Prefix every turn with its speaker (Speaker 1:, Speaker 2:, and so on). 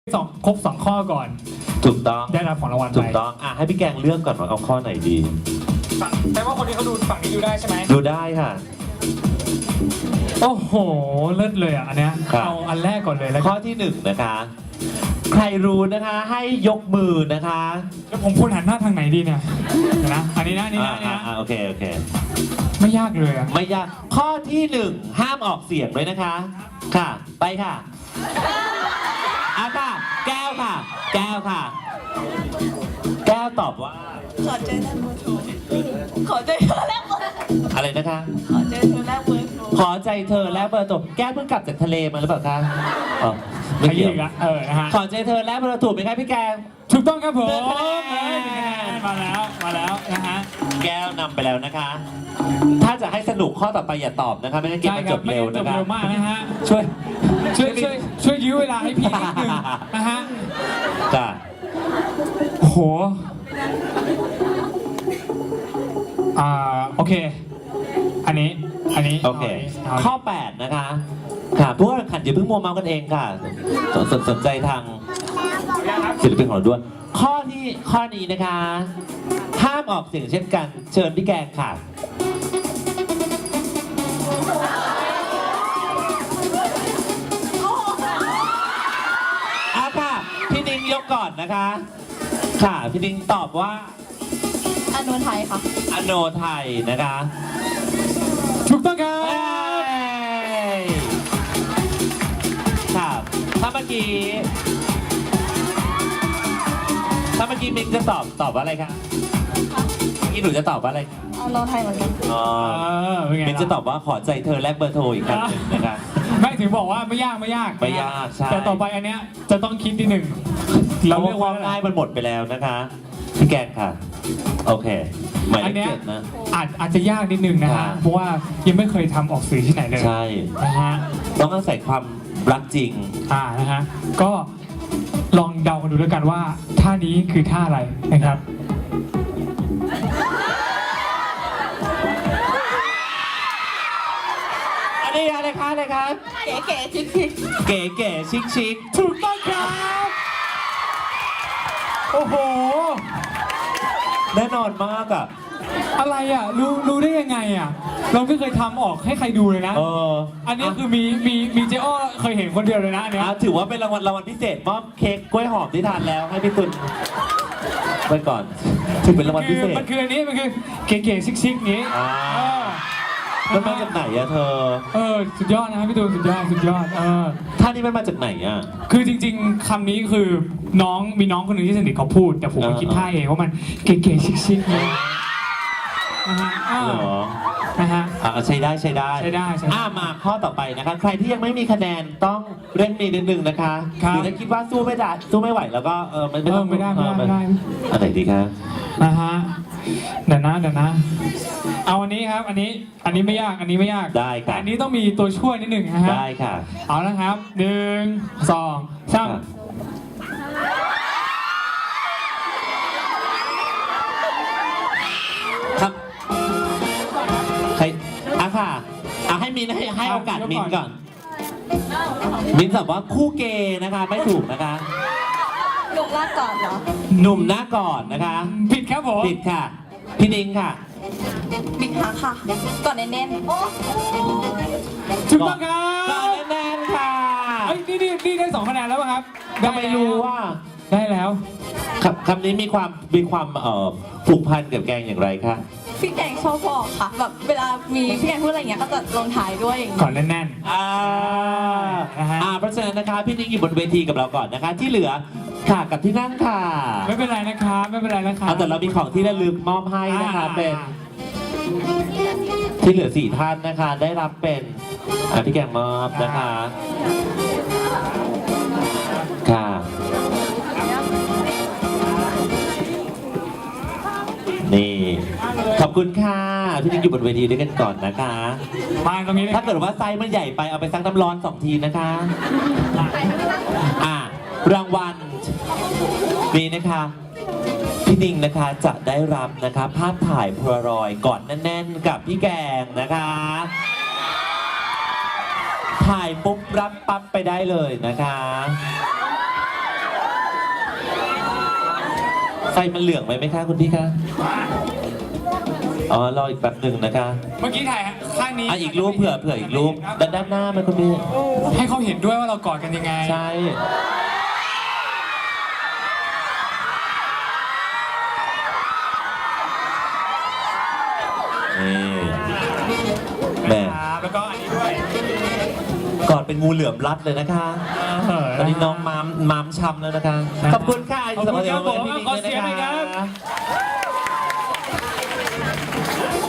Speaker 1: ครบ2ข้อก่อน
Speaker 2: ถูกต้อง
Speaker 1: ได้รับของรางวัลไป
Speaker 2: ถูกต้องให้พี่แกงเลือกก่อนว่าเอาข้อไหนดี
Speaker 1: แต่ว่าคนนี้เขาดูฝั่งนี้ดูได้ใช่ไหม
Speaker 2: ดูได้ค่ะ
Speaker 1: โอ้โหเลิศเลยอันเนี้ยเอาอันแรกก่อนเลยแล้ว
Speaker 2: ข้อที่1นะคะใครรู้นะคะให้ยกมือนะคะ
Speaker 1: แล้วผมควรหันหน้าทางไหนดีเนี่ยนะอันนี้นะ
Speaker 2: โอเค
Speaker 1: ไม่ยากเลย
Speaker 2: ไม่ยากข้อที่1ห้ามออกเสียงด้วยนะคะค่ะไปค่ะค่ะแก้วค่ะแก้วตอบว่า
Speaker 3: ขอใจเธอแลกเบอร์โทรขอใจเธอแลกเบอร์
Speaker 2: อะไรนะคะ
Speaker 3: ขอใจเธอแลกเบอร์โทร
Speaker 2: ขอใจเธอแลกเบอร์โทรแก้วเพิ่งกลับจากทะเลมาหรือเปล่าคะ
Speaker 1: ไม่เกี่ยวนะฮะ
Speaker 2: ขอใจเธอแลกเบอร์โทรถูกไหมครับพี่แกง
Speaker 1: ถูกต้องครับผมมาแล้วนะฮะ
Speaker 2: แก้วนำไปแล้วนะคะถ้าจะให้สนุกข้อต่อไปอย่าตอบนะคะไม่งั้นเกมมันจบเร็วนะคะ
Speaker 1: เร็วมากนะฮะ
Speaker 2: ช่
Speaker 1: วยยื้อเวลาให้พี่นิดนึงนะฮะ
Speaker 2: จ้ะ
Speaker 1: โหโอเคอันนี้
Speaker 2: โอเคข้อ8นะคะค่ะพวกเราขันอย่าเพิ่งมัวเมากันเองค่ะสนใจทางศิลปินของเราด้วยข้อนี้นะคะห้ามออกเสียงเช่นกันเชิญพี่แกงค่ะค่ะพี่นิ้งยกก่อนนะคะค่ะพี่นิ้งตอบว่า
Speaker 3: อโนไทยค่ะ
Speaker 2: อโนไทยนะคะ
Speaker 1: ถูกต้องครับ
Speaker 2: ค่ะถ้าเมื่อกี้มิงจะตอบว่าอะไรคะเมื่อกี้หนูจะตอบว่าอะไร
Speaker 3: อโนไทยเหมือนกัน
Speaker 2: มิงจะตอบว่าขอใจเธอแลกเบอร์โทรอีกครั้งหนึ่งนะคะ
Speaker 1: ไม่ถึงบอกว่าไม่ยาก
Speaker 2: ใช่
Speaker 1: แต่ต่อไปอันเนี้ยจะต้องคิดนิดหนึ่ง
Speaker 2: เราเรียกว่าง่ายมันหมดไปแล้วนะคะพี่แกงค่ะโอเคหมายเลข7นะ
Speaker 1: อาจจะยากนิดนึงนะฮะเพราะว่ายังไม่เคยทำออกสื่อที่ไหนเลย
Speaker 2: ใช่
Speaker 1: นะฮะ
Speaker 2: ต้องอาศัยความรักจริง
Speaker 1: นะฮะก็ลองเดากันดูแล้วกันว่าท่านี้คือท่าอะไรนะครับ
Speaker 2: อันนี้อะไรคะ
Speaker 3: เก๋ชิค
Speaker 2: ชิค
Speaker 1: ถูกต้องครับโอ้โห
Speaker 2: แน่นอนมาก
Speaker 1: อะไรรู้ได้ยังไงเราไม่เคยทำออกให้ใครดูเลยนะอันนี้คือมีเจ้อ้อเคยเห็นคนเดียวเลยนะอันนี้
Speaker 2: ถือว่าเป็นรางวัลพิเศษมอบเค้กกล้วยหอมที่ทานแล้วให้พี่ตุลไปก่อนถือเป็นรางวัลพิเศษ
Speaker 1: มันคืออันนี้มันคือเก๋ๆชิคๆนี้
Speaker 2: มันมาจากไหนเธอ
Speaker 1: สุดยอดนะครับพี่ตูนสุดยอด
Speaker 2: ท่านี้มันมาจากไหน
Speaker 1: คือจริงๆคำนี้คือมีน้องคนหนึ่งที่สนิทเขาพูดแต่ผมคิดท่าเองว่ามันเก๋ๆชิคๆนี้นะฮะ
Speaker 2: ใช้ได้มาข้อต่อไปนะคะใครที่ยังไม่มีคะแนนต้องเร่งมีนิดนึงนะคะหรือถ้าคิดว่าสู้ไม่ไหวแล้วก็
Speaker 1: ไม่ได้
Speaker 2: อะไรดีคะ
Speaker 1: นะฮะเดี๋ยวนะเอาอันนี้ครับอันนี้ไม่ยาก
Speaker 2: ได้ค่ะ
Speaker 1: อันนี้ต้องมีตัวช่วยนิดหนึ่งนะฮะ
Speaker 2: ได้ค่ะ
Speaker 1: เอาละครับ1 2 3
Speaker 2: ครับใครค่ะให้มินให้โอกาสมินก่อนมินตอบว่าคู่เกย์นะคะไม่ถูกนะคะ
Speaker 3: หนุ่มหน้าก่อนเหรอ
Speaker 2: หนุ่มหน้าก่อนนะคะ
Speaker 1: ผิดครับผม
Speaker 2: ผิดค่ะพี่นิ้งค่ะ
Speaker 3: บิ๊กฮักค่ะก่อนแน่น
Speaker 1: ถูกต้องครับ
Speaker 2: ก่อนแน่นค่ะ
Speaker 1: นี่ได้2 คะแนนแล้วป่ะครับ
Speaker 2: ไม่รู้ว่า
Speaker 1: ได้แล้ว
Speaker 2: คำนี้มีความผูกพันกับแกงอย่างไรคะ
Speaker 3: พี่แกงชอบบอกค่ะแบบเวลามีพี่แกงพูดอะไรเงี้ยก็จะลงท้ายด้วย
Speaker 1: ก่อนแน่น
Speaker 2: เพราะฉะนั้นนะคะพี่นิ้งอยู่บนเวทีกับเราก่อนนะคะที่เหลือค่ะกับที่นั่งค่ะ
Speaker 1: ไม่เป็นไรนะคะ
Speaker 2: แต่เรามีของที่ระลึกมอบให้นะคะเป็นที่เหลือ4 ท่านนะคะได้รับเป็นพี่แกงมอบนะคะค่ะนี่ขอบคุณค่ะพี่นิ้งอยู่บนเวทีด้วยกันก่อนนะคะ
Speaker 1: มาตรงนี้
Speaker 2: ถ้าเกิดว่าไซส์มันใหญ่ไปเอาไปซักน้ำร้อน2 ทีนะคะรางวัลนี้นะคะพี่นิ้งนะคะจะได้รับนะคะภาพถ่ายโพลารอยด์กอดแน่นๆกับพี่แกงนะคะถ่ายปุ๊บรับปั๊บไปได้เลยนะคะไฟมันเหลืองไหมคะคุณพี่คะอ๋อรออีกแป๊บหนึ่งนะคะ
Speaker 1: เมื่อกี้ถ่ายข้างนี้
Speaker 2: อีกรูปเผื่ออีกรูปด้านหน้าไหมคุณพี่
Speaker 1: ให้เขาเห็นด้วยว่าเรากอดกันยังไง
Speaker 2: ใช่นี่แม่
Speaker 1: ครับแล้วก็อันนี้ด้วย
Speaker 2: กอดเป็นงูเหลือมรัดเลยนะคะตอนนี้น้องมามช้ำแล้วนะคะ ขอบคุณค่ะ
Speaker 1: ขอบคุณครับผม
Speaker 2: พี่
Speaker 1: ขอเสียงหน่อยครับ
Speaker 2: บ